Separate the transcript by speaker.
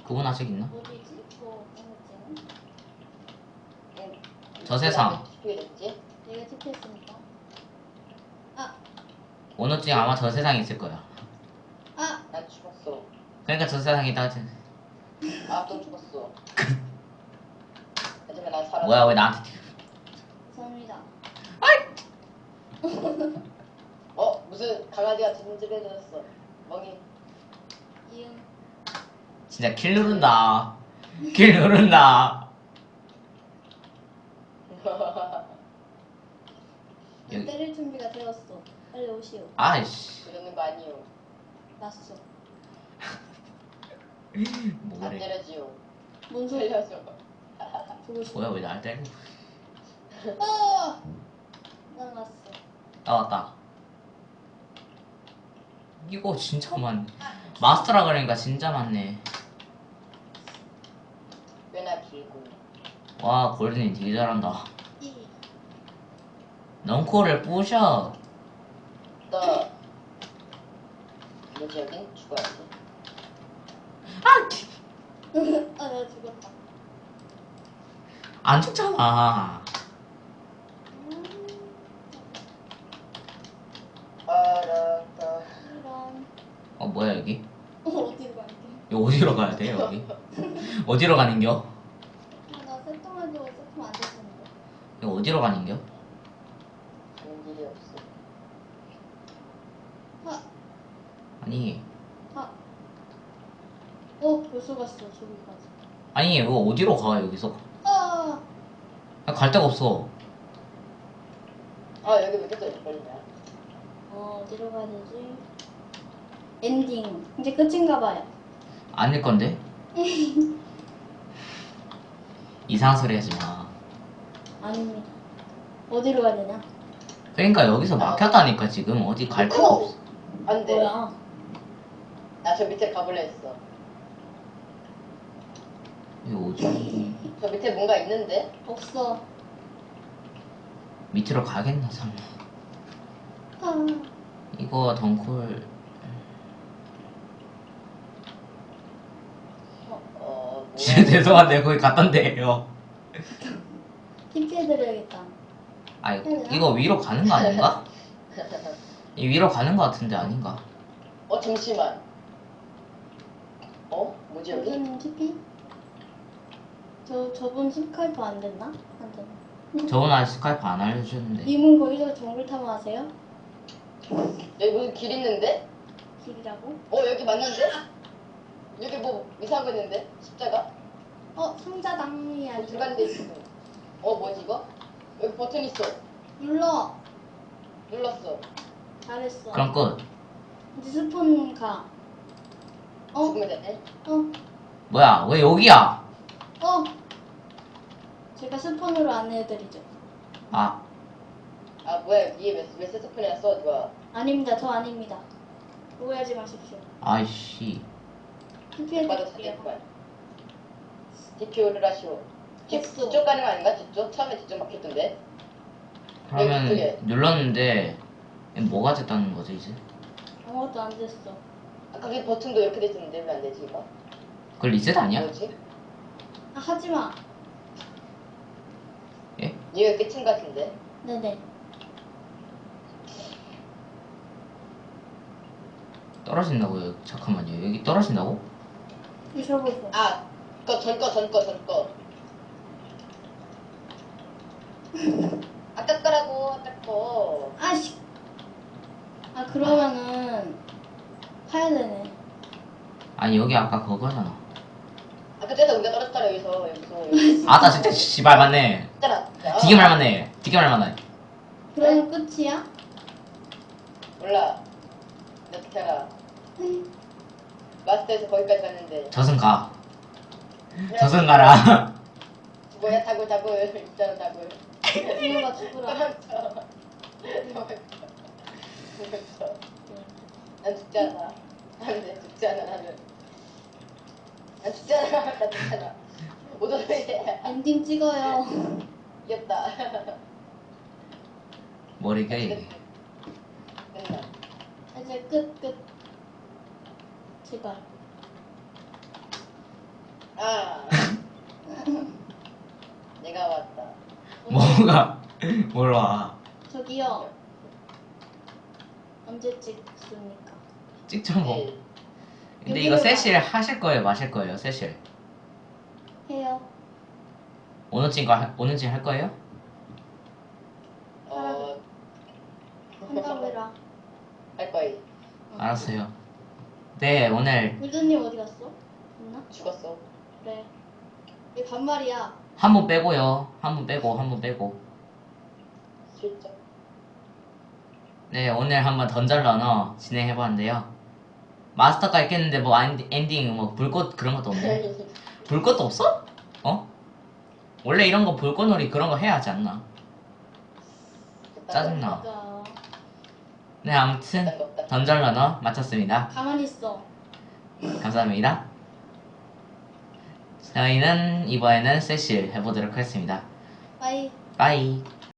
Speaker 1: 그분 아직 있나?
Speaker 2: 어디지?
Speaker 1: 저 세상.
Speaker 3: 투표했지?
Speaker 2: 내가 투표했으니까. 아!
Speaker 1: 오늘쯤 아마 저 세상에 있을 거야.
Speaker 2: 아!
Speaker 3: 난 죽었어.
Speaker 1: 그러니까 저 세상에 있다 하지.
Speaker 3: 아, 또 죽었어. 하지만 난 살았어.
Speaker 1: 뭐야, 왜 나한테.
Speaker 2: 감사합니다.
Speaker 3: 무슨 강아지가 진집에 들었어. 멍이.
Speaker 2: 이응.
Speaker 1: 진짜 킬 누른다. 킬 누른다. 여기.
Speaker 2: 때릴 준비가 되었어. 빨리 오시오.
Speaker 1: 아이씨.
Speaker 3: 그러는 거 아니요.
Speaker 2: 났어.
Speaker 3: 안
Speaker 1: 뭐래.
Speaker 3: 때려지요.
Speaker 2: 뭔 소리?
Speaker 3: 살려줘.
Speaker 2: 보고 싶어.
Speaker 1: 뭐야, 왜 날 때려?
Speaker 2: 아! 난 났어.
Speaker 1: 나왔다. 이거 진짜 많네. 마스터라 그러니까 진짜 많네.
Speaker 3: 꽤나 길고.
Speaker 1: 와, 골든이 되게 잘한다.
Speaker 2: 이.
Speaker 1: 넝코를 부셔.
Speaker 3: 너. 뭐지, 여긴? 죽어야지.
Speaker 2: 아, 나 죽었다.
Speaker 1: 안 죽잖아.
Speaker 3: 알았다.
Speaker 2: 이런.
Speaker 1: 뭐야, 여기?
Speaker 2: 어디로 갈게?
Speaker 1: 여기 어디로 가야 돼, 여기? 어디로 가는겨?
Speaker 2: 나 세통해도 세통 안 됐었는데.
Speaker 1: 여기 어디로 가는겨?
Speaker 3: 가는 길이 없어.
Speaker 2: 아!
Speaker 1: 아니,
Speaker 2: 아! 벌써 갔어, 저기까지.
Speaker 1: 아니, 이거 어디로 가, 여기서?
Speaker 2: 아!
Speaker 1: 갈 데가 없어.
Speaker 3: 여기 왜 이렇게 떨어졌냐?
Speaker 2: 어디로 가야 되지? 엔딩. 이제 끝인가 봐요.
Speaker 1: 아닐 건데? 이상한 소리 하지 마.
Speaker 2: 아닙니다. 어디로 가야 되냐?
Speaker 1: 그러니까 여기서 막혔다니까, 지금. 어디 갈 데가 없어.
Speaker 3: 안 돼.
Speaker 2: 뭐야?
Speaker 3: 나 저 밑에 가볼래 했어.
Speaker 1: 이거 어디?
Speaker 3: 저 밑에 뭔가 있는데?
Speaker 2: 없어.
Speaker 1: 밑으로 가겠나, 설마.
Speaker 2: 아.
Speaker 1: 이거 덩쿨.
Speaker 3: 뭐야?
Speaker 1: 진짜 죄송한데, 거기 갔던데요.
Speaker 2: TP 해드려야겠다.
Speaker 1: 아, 이거 위로 가는 거 아닌가? 이 위로 가는 거 같은데 아닌가?
Speaker 3: 잠시만. 뭐지 여기?
Speaker 2: 저분 TP? 저분 스카이프 안 됐나? 안 됐나?
Speaker 1: 저번 아직 스카이프 안 알려주셨는데.
Speaker 2: 님은 거기서 정글 탐험 하세요?
Speaker 3: 여기 무슨 길 있는데?
Speaker 2: 길이라고?
Speaker 3: 여기 맞는데? 여기 뭐 이상한 거 있는데? 십자가?
Speaker 2: 상자당이 아니라
Speaker 3: 들어가는 데 있어. 뭐지 이거? 여기 버튼 있어.
Speaker 2: 눌러.
Speaker 3: 눌렀어.
Speaker 2: 잘했어.
Speaker 1: 그럼 끝.
Speaker 2: 이제 스폰 가.
Speaker 3: 죽으면 되네.
Speaker 1: 뭐야, 왜 여기야?
Speaker 2: 제가 스폰으로 안내해드리죠.
Speaker 1: 아,
Speaker 3: 뭐야 위에 왜 세스폰이 났어? 누가?
Speaker 2: 아닙니다. 저 아닙니다. 오해하지 마십시오.
Speaker 1: 아이씨.
Speaker 2: TP
Speaker 3: 맞아
Speaker 2: 해드릴게요.
Speaker 3: 자기말. DPO를 하시오.
Speaker 2: 했어.
Speaker 3: 뒤쪽 가는 거 아닌가? 뒤쪽? 처음에 뒤쪽 막혔던데?
Speaker 1: 그러면
Speaker 3: 그게.
Speaker 1: 눌렀는데 뭐가 됐다는 거지 이제?
Speaker 2: 아무것도 안 됐어.
Speaker 3: 아까 그 버튼도 이렇게 돼 있었는데 왜 안 되지 이거?
Speaker 1: 그걸 리셋 아니야?
Speaker 3: 뭐지?
Speaker 2: 하지 마.
Speaker 1: 예?
Speaker 3: 이거 끝인 거 같은데?
Speaker 2: 네네.
Speaker 1: 떨어진다고요? 잠깐만요. 여기 떨어진다고?
Speaker 2: 드셔보세요.
Speaker 3: 전 거. 아까 거라고, 아까 거.
Speaker 2: 아씨. 그러면은 파야 되네.
Speaker 1: 아니 여기 아까 그거잖아.
Speaker 3: 그때도 우리가 떨어졌잖아, 여기서.
Speaker 1: 아따 진짜 씨발 맞네.
Speaker 3: 있잖아.
Speaker 1: 되게 말 맞네. 되게 말 맞네.
Speaker 2: 그러면 끝이야?
Speaker 3: 몰라. 내 어떻게 알아. 마스터에서 거기까지 갔는데.
Speaker 1: 저승 가. 저승 가라.
Speaker 3: 뭐야, 다굴. 있잖아, 다굴.
Speaker 2: 죽어라 죽어라.
Speaker 3: 난 죽지 않아. 안돼, 죽지 않아, 나는. 난 죽지 않아, 난 죽지 않아. 오도해.
Speaker 2: 엔딩 찍어요.
Speaker 3: 귀엽다.
Speaker 1: 머리가 이게.
Speaker 3: 맨날.
Speaker 2: 이제 끝. 제발.
Speaker 3: 아. 내가 왔다.
Speaker 1: 뭐가 뭘 와.
Speaker 2: 저기요. 언제 찍습니까?
Speaker 1: 찍죠 뭐.
Speaker 3: 네.
Speaker 1: 근데 이거 세실 하실 거예요, 마실 거예요, 세실?
Speaker 2: 해요.
Speaker 1: 오늘쯤 할 거예요?
Speaker 2: 한다고 해라.
Speaker 3: 할 거임.
Speaker 1: 알았어요. 네, 오늘
Speaker 2: 골드님 어디 갔어? 있나?
Speaker 3: 죽었어.
Speaker 2: 그래. 얘 반말이야.
Speaker 1: 한 분 빼고요. 한 분 빼고.
Speaker 3: 실적.
Speaker 1: 네, 오늘 한번 던전러너 진행해봤는데요. 마스터까지 깼는데 뭐 엔딩 뭐 불꽃 그런 것도 없네. 불꽃도 없어? 어? 원래 이런 거 불꽃놀이 그런 거 해야 하지 않나? 짜증나.
Speaker 2: 진짜.
Speaker 1: 네, 아무튼 던전러너 마쳤습니다.
Speaker 2: 가만히 있어.
Speaker 1: 감사합니다. 저희는 이번에는 세실 해보도록 하겠습니다.
Speaker 2: 빠이.
Speaker 1: 빠이.